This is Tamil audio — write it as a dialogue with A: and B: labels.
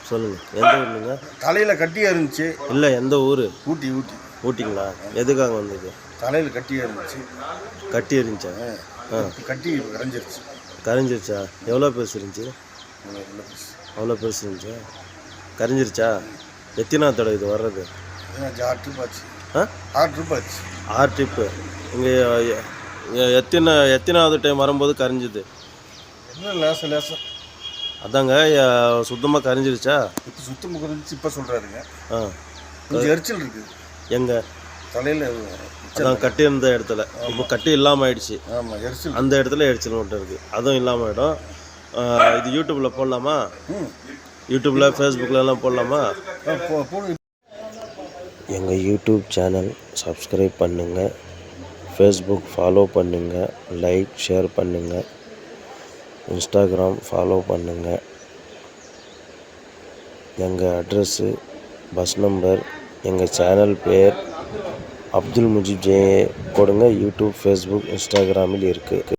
A: சொல்லுங்கள். எந்த ஊருங்க?
B: தலையில் கட்டியாக இருந்துச்சு.
A: இல்லை, எந்த ஊர்?
B: ஊட்டி.
A: ஊட்டிங்களா? எதுக்காக வந்தது?
B: தலையில் கட்டியாக இருந்துச்சு.
A: கட்டி இருந்துச்சா?
B: கட்டி கரைஞ்சிருச்சு.
A: கரைஞ்சிருச்சா? எவ்வளோ பெருசு இருந்துச்சு? அவ்வளோ பெருசு இருந்துச்சா? கரைஞ்சிருச்சா? எத்தனாவது தடவை இது வர்றது?
B: 6 ட்ரிப் ஆச்சு. 6 ட்ரிப் ஆச்சு.
A: 6 ட்ரிப்பு. இங்கே எத்தனாவது டைம் வரும்போது கரைஞ்சிது?
B: லேசா
A: அதாங்க, சுத்தமாக கரைஞ்சிருச்சா?
B: இப்போ சுத்தமாக கரைஞ்சிச்சு. இப்போ சொல்கிறாருங்க. கொஞ்சம் எரிச்சல் இருக்குது.
A: எங்கே?
B: தலையில்.
A: அதான் கட்டி இருந்த இடத்துல. இப்போ கட்டி இல்லாமல் ஆயிடுச்சு.
B: ஆமாம், எரிச்சல்.
A: அந்த இடத்துல எரிச்சல் மட்டும் இருக்குது. அதுவும் இல்லாமல் ஆகிடும். இது யூடியூப்பில் போடலாமா? யூடியூப்பில் ஃபேஸ்புக்கிலலாம் போடலாமா? எங்கள் யூடியூப் சேனல் சப்ஸ்கிரைப் பண்ணுங்கள், ஃபேஸ்புக் ஃபாலோ பண்ணுங்கள், லைக் ஷேர் பண்ணுங்கள், இன்ஸ்டாகிராம் ஃபாலோ பண்ணுங்கள். எங்கள் அட்ரஸ்ஸு, பஸ் நம்பர், எங்கள் சேனல் பேர் அப்துல் முஜீப் ஜே கொடுங்க. யூடியூப், ஃபேஸ்புக், இன்ஸ்டாகிராமில் இருக்குது.